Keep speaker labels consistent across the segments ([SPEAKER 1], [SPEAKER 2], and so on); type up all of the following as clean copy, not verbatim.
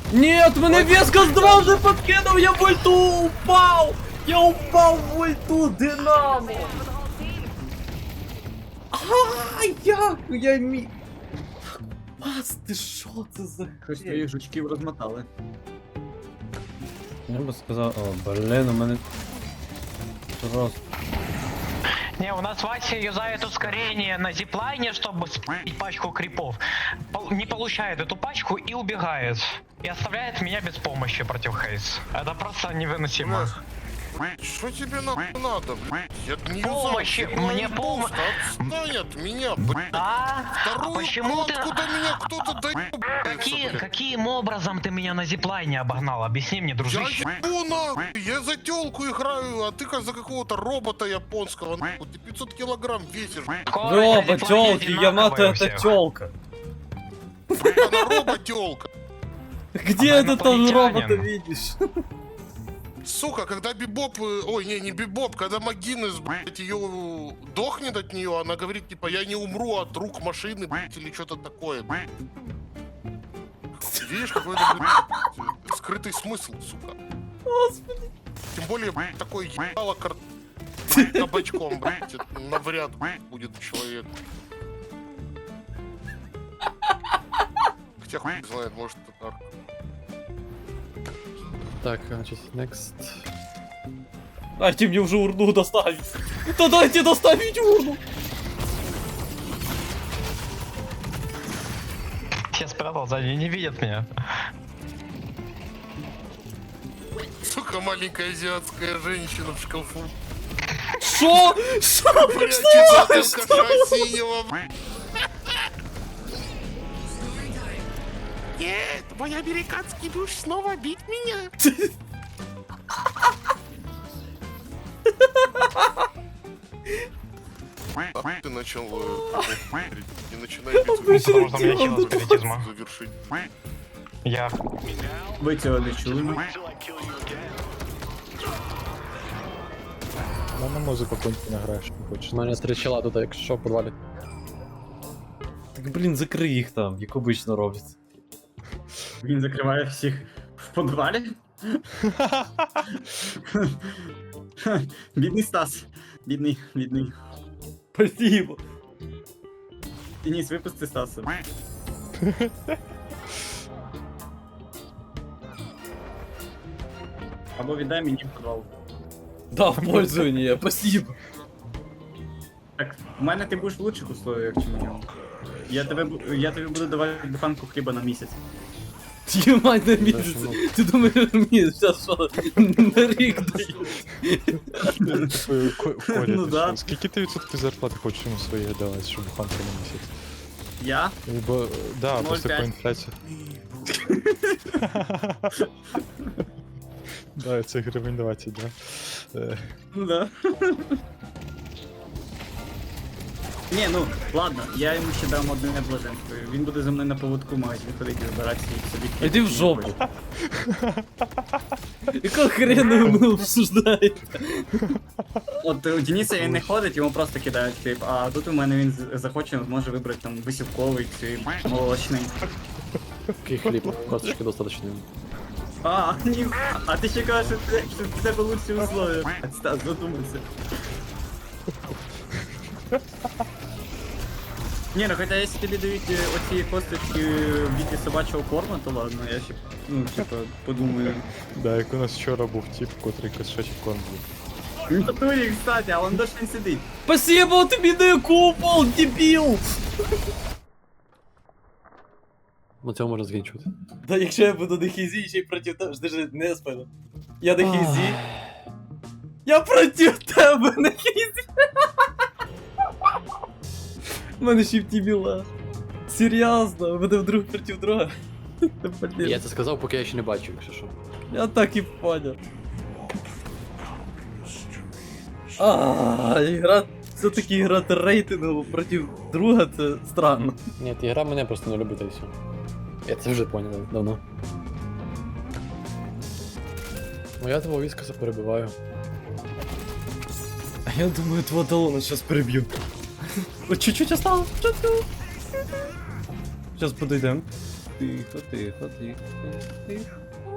[SPEAKER 1] Нет, мене Вескас 2 вже подкинув, я в ульту упав! Я упав в ульту, Динамо! Як я міг? Пас, ти що це за
[SPEAKER 2] Щось твоїх жучків розмотали.
[SPEAKER 1] Я би сказав, о, блін, у мене... Просто...
[SPEAKER 3] Не, у нас Вася юзает ускорение на зиплайне, чтобы спить пачку крипов. Не получает эту пачку и убегает. И оставляет меня без помощи против Хейс. Это просто невыносимо.
[SPEAKER 4] Что тебе надо, блядь? Я не
[SPEAKER 3] Помощи, мне помощь.
[SPEAKER 4] Отстань от меня, блядь.
[SPEAKER 3] А
[SPEAKER 4] Вторую
[SPEAKER 3] почему ты...
[SPEAKER 4] откуда меня кто-то доебается,
[SPEAKER 3] Каким образом ты меня на зиплайне обогнал? Объясни мне, дружище.
[SPEAKER 4] Я ебу нахуй, я за тёлку играю, а ты как за какого-то робота японского, нахуй. Ты 500 килограмм весишь,
[SPEAKER 1] Роба, тёлки, Ямато это тёлка.
[SPEAKER 4] она робот-тёлка.
[SPEAKER 1] Где
[SPEAKER 3] Она
[SPEAKER 1] ты там робота
[SPEAKER 3] инопланетянин.
[SPEAKER 1] видишь?
[SPEAKER 4] Сука, когда Бибоп, ой, не Бибоп, когда Магинес, блядь, ее дохнет от нее, она говорит, типа, я не умру от рук машины, блядь, или что-то такое, блядь. Видишь, какой-то, блядь, скрытый смысл, сука.
[SPEAKER 1] Господи.
[SPEAKER 4] Тем более, блядь, такой ебало кабачком, блядь, это навряд будет человек. Хотя хуй знает, может, это арк.
[SPEAKER 5] Так, значит, next.
[SPEAKER 1] Дайте мне уже урну доставить. Да дайте доставить урну.
[SPEAKER 3] Я спрятал сзади, не видят меня.
[SPEAKER 4] Сука, маленькая азиатская женщина в шкафу.
[SPEAKER 1] Шо? Шо?
[SPEAKER 4] Прячется от алкаша синего, блядь. Нет, мой американский будешь снова бить меня. Ты начал... Не начинай бить.
[SPEAKER 3] Потому что у меня хил спиритизма.
[SPEAKER 4] Завершить.
[SPEAKER 3] Я...
[SPEAKER 2] Ви цього не чули?
[SPEAKER 5] На музику коньки награєш, не хочеш. У мене 3 чела тут, якщо що, в подвалі.
[SPEAKER 1] Так блін, закрий їх там, як обично роблять.
[SPEAKER 2] Він закриває всіх в подвалі? Бідний Стас. Бідний.
[SPEAKER 1] Спасибо.
[SPEAKER 2] Денис, випусти Стаса. Або віддай мені в подвал.
[SPEAKER 1] Да, в пользование, спасибо.
[SPEAKER 2] Так, в мене ти будеш в лучших условиях, чим у нього. Я тобі буду давати буханку хліба на місяць.
[SPEAKER 1] Ємать на місяць. Ти думаєш, мені зараз що, на рік дають?
[SPEAKER 2] Ну да.
[SPEAKER 5] Скільки ти відсотків зарплати хочеш йому своєї давати, щоб буханка на місяць?
[SPEAKER 2] Я?
[SPEAKER 5] Бо, да, просто
[SPEAKER 2] 0,5.
[SPEAKER 5] по інфляції. Да, це гривень 20, да.
[SPEAKER 2] Ну да. Ні, ну, ладно, я йому ще дам одне блаженство. Він буде за мною на поводку в магазин ходити і збиратися і собі.
[SPEAKER 1] Іди в жопу. Якого хрена ви мене обсуждаєте?
[SPEAKER 2] От у Дениса він не ходить, йому просто кидають хліб, а тут у мене він захоче, зможе вибрати там висівковий чи молочний.
[SPEAKER 5] Який хліб, косточки достаточно.
[SPEAKER 2] А, ні, а ти ще кажеш, що в тебе лучші условия. Стас, задумайся. Ні, ну хоча якщо тобі дають оці косточки в віді собачого корму, то ладно, я ще, ну, типа, подумаю.
[SPEAKER 5] Да, як у нас вчора був тип, котрий кошачий корм був.
[SPEAKER 2] В натурі, кстати, а он дощ не сидить.
[SPEAKER 1] Спасибо, тобі не купол, дебіл!
[SPEAKER 5] На цьому можна закінчувати.
[SPEAKER 1] Да якщо я буду на хізі, ще й проти тебе, жди, не спину. Я на хізі. Я проти тебе на хізі. У мене ще в тімі лаг. Серйозно, ви друг проти друга. Блін.
[SPEAKER 5] Я це сказав, поки я ще не бачу, якщо що.
[SPEAKER 1] Я так і понял. Ігра... Все-таки грати рейтингово проти друга, це странно.
[SPEAKER 5] Ні, ти гра мене просто не любить, і все. Я це вже поняв давно. Ну я твого Віскаса перебиваю.
[SPEAKER 1] А я думаю, твого талона сейчас переб'ю. От чуть-чуть осталось. Чуть-чуть. Зараз подойдем. Тихо, тихо, тихо, тихо.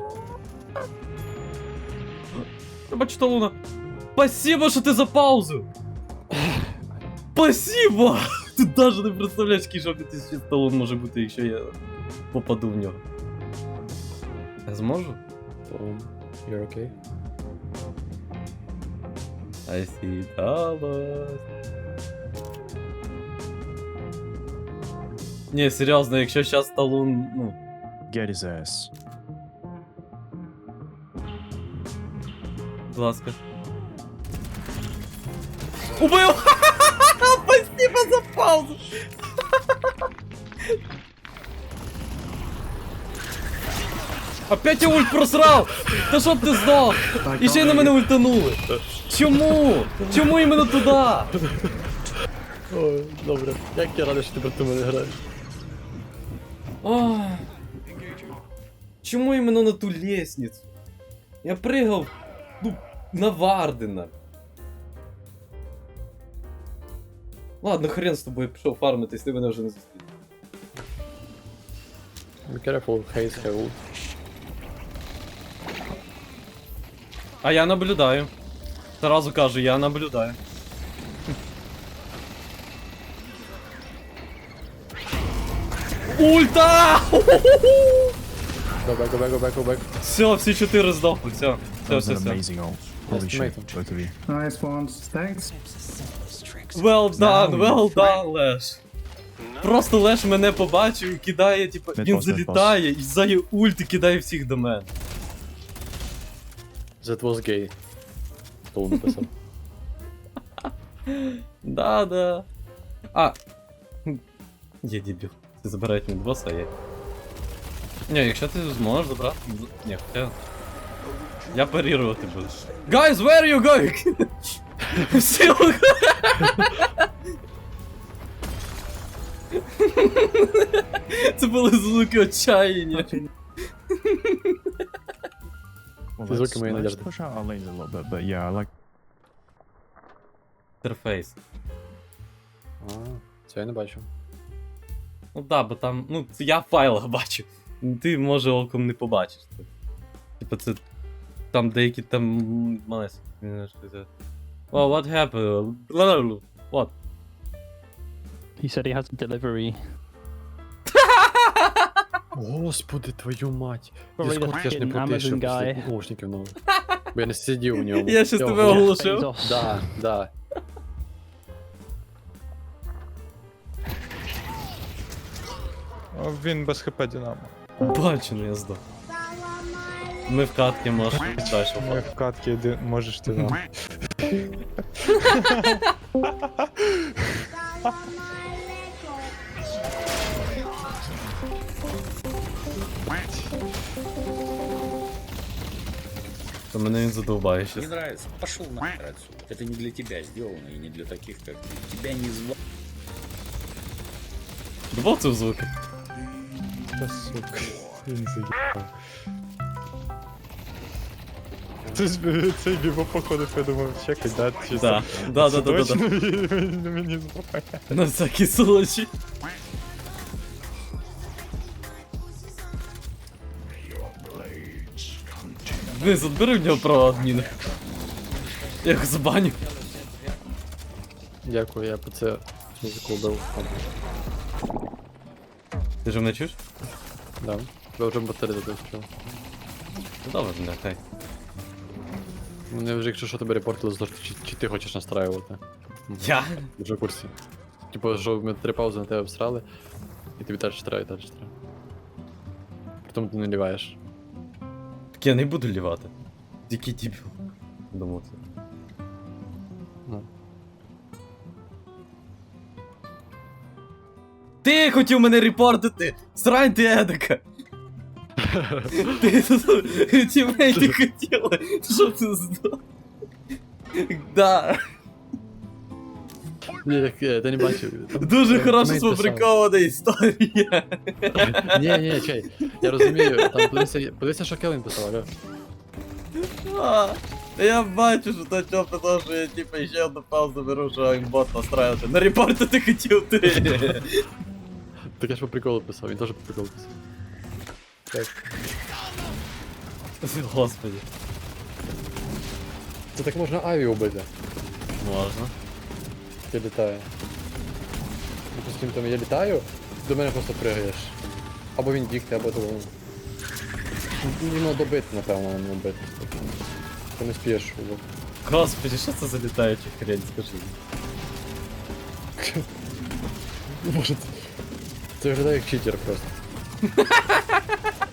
[SPEAKER 1] Я бачу талуна. Спасибо, що ти за паузу! Спасибо! Ти навіть не представляєш, який жовтий талон може бути, якщо я попаду в нього. Я зможу?
[SPEAKER 5] You're okay?
[SPEAKER 1] I see dollars. Ні, серйозно, якщо зараз талун, ну...
[SPEAKER 6] Get his ass.
[SPEAKER 1] Будь ласка. Убив! Спасибо за паузу! Опять я ульт просрав! Та щоб ти здох! І ще й на мене ультанули! Чому? Чому іменно туди?
[SPEAKER 5] Ой, добре. Як я радий, що ти проти мене граєш.
[SPEAKER 1] Ох. Чому іменно на ту лестницю? Я пригав, ну, на Вардена. Ладно, хрен з тобою, пішов фармитись, ти мене вже не зустрів.
[SPEAKER 5] Be careful, Haze have ult.
[SPEAKER 1] А я наблюдаю. Сразу кажу, я наблюдаю. Ульта!
[SPEAKER 5] Go back, go back, go back, go back.
[SPEAKER 1] Все, всі 4 здохли, все.
[SPEAKER 6] That was
[SPEAKER 1] Все,
[SPEAKER 6] an
[SPEAKER 1] все.
[SPEAKER 6] amazing ult. Holy
[SPEAKER 5] Nice to
[SPEAKER 6] shit,
[SPEAKER 5] meet him.
[SPEAKER 6] both of you.
[SPEAKER 7] Nice ones. Thanks.
[SPEAKER 1] Well done,
[SPEAKER 6] Now
[SPEAKER 1] well
[SPEAKER 6] we-
[SPEAKER 1] done, Леш. Просто Леш мене побачив і кидає, типа,
[SPEAKER 6] Mid
[SPEAKER 1] він
[SPEAKER 6] boss, mid
[SPEAKER 1] залітає і ззаді ульт і кидає всіх до мене.
[SPEAKER 5] That was gay. Толун написав.
[SPEAKER 1] Да. А. Є дебіл. Ти забирають мідбоса, а я. Ні, якщо ти зможеш забрати. Ні, хоча. Я парірувати буду. Guys, where are you going? Всі. Це були звуки отчаяння.
[SPEAKER 6] Well,
[SPEAKER 5] He's
[SPEAKER 6] let's,
[SPEAKER 5] looking way in the
[SPEAKER 6] let's
[SPEAKER 5] other.
[SPEAKER 6] push out our lanes a little bit, but yeah, I like.
[SPEAKER 1] Інтерфейс.
[SPEAKER 5] А, це я не бачу.
[SPEAKER 1] Ну да, бо там. Ну, це я в файлах бачу. Ти, може, оком не побачиш. Типа це. Там деякі там малесенькі. Oh, what happened? What?
[SPEAKER 8] He said he has a delivery.
[SPEAKER 5] Господи, твою мать.
[SPEAKER 8] Probably the
[SPEAKER 5] Дискорд я ж не
[SPEAKER 8] fucking
[SPEAKER 5] потишу
[SPEAKER 8] Amazon
[SPEAKER 5] після
[SPEAKER 8] guy.
[SPEAKER 5] наушників нових. Бо я не сидів у ньому.
[SPEAKER 1] Я щас тебе
[SPEAKER 5] оголошую.
[SPEAKER 1] оголошив.
[SPEAKER 8] He's off.
[SPEAKER 5] Да.
[SPEAKER 9] Він без хп Динамо.
[SPEAKER 1] Бачу, ну я здох. Ми в катки можемо далі.
[SPEAKER 9] Ми в катки можеш Динамо.
[SPEAKER 1] То мене він задовбає
[SPEAKER 10] Не
[SPEAKER 1] щас.
[SPEAKER 10] нравится? Пошел нахер отсюда. Это не для тебя сделано и не для таких, как ты. Тебя не звали.
[SPEAKER 1] Добав це в звуки.
[SPEAKER 9] Та сука. Він заїбав. Цей бібо походу подумав, чекай, да? Чи
[SPEAKER 1] Да.
[SPEAKER 9] це-
[SPEAKER 1] Да.
[SPEAKER 9] це точно він мені звук.
[SPEAKER 1] На всякий случай. Денис, отбери в нього право адміна. Я його забаню.
[SPEAKER 5] Дякую, я по це музику вбив.
[SPEAKER 1] Ти ж мене чуєш?
[SPEAKER 5] Да. Я вже батарею додав.
[SPEAKER 1] Ну добре, нехай.
[SPEAKER 5] Мене вже, якщо що, тебе репортили, за те, чи ти хочеш настраювати.
[SPEAKER 1] Я?
[SPEAKER 5] Вже в курсі. Типу, що ми 3 паузи на тебе всрали, і тобі теж треба, і теж треба. Притом ти не ліваєш.
[SPEAKER 1] Так я не буду лівати. Який дебіл. Думав це.
[SPEAKER 5] Ну.
[SPEAKER 1] Ти хотів мене репортити! Срань ти едика! Ти тімейти хотіли, щоб ти здох. Да.
[SPEAKER 5] Ні, так ти не бачив. Там-
[SPEAKER 1] Дуже
[SPEAKER 5] там
[SPEAKER 1] хорошо
[SPEAKER 5] тімейт писав.
[SPEAKER 1] сфабрикована історія.
[SPEAKER 5] Ні, чай. Я розумію, там подивися, що Келвін писав, алло.
[SPEAKER 1] А, я бачу, що то чого писав, що я типа ще одну паузу беру, що аймбот настраювати. На репортити хотів ти.
[SPEAKER 5] Так я ж по приколу писав, він теж по приколу писав. Так.
[SPEAKER 1] Господи,
[SPEAKER 5] Це так можна Аві убити.
[SPEAKER 1] можна.
[SPEAKER 5] Я літаю. Допустим, там я літаю, до мене просто пригаєш. Або він бігти, або того. Йому добити, напевно, а не убити. Ти не спієш.
[SPEAKER 1] Господи, що це за літаюча хрень, скажи.
[SPEAKER 5] Може, це виглядає як читер просто.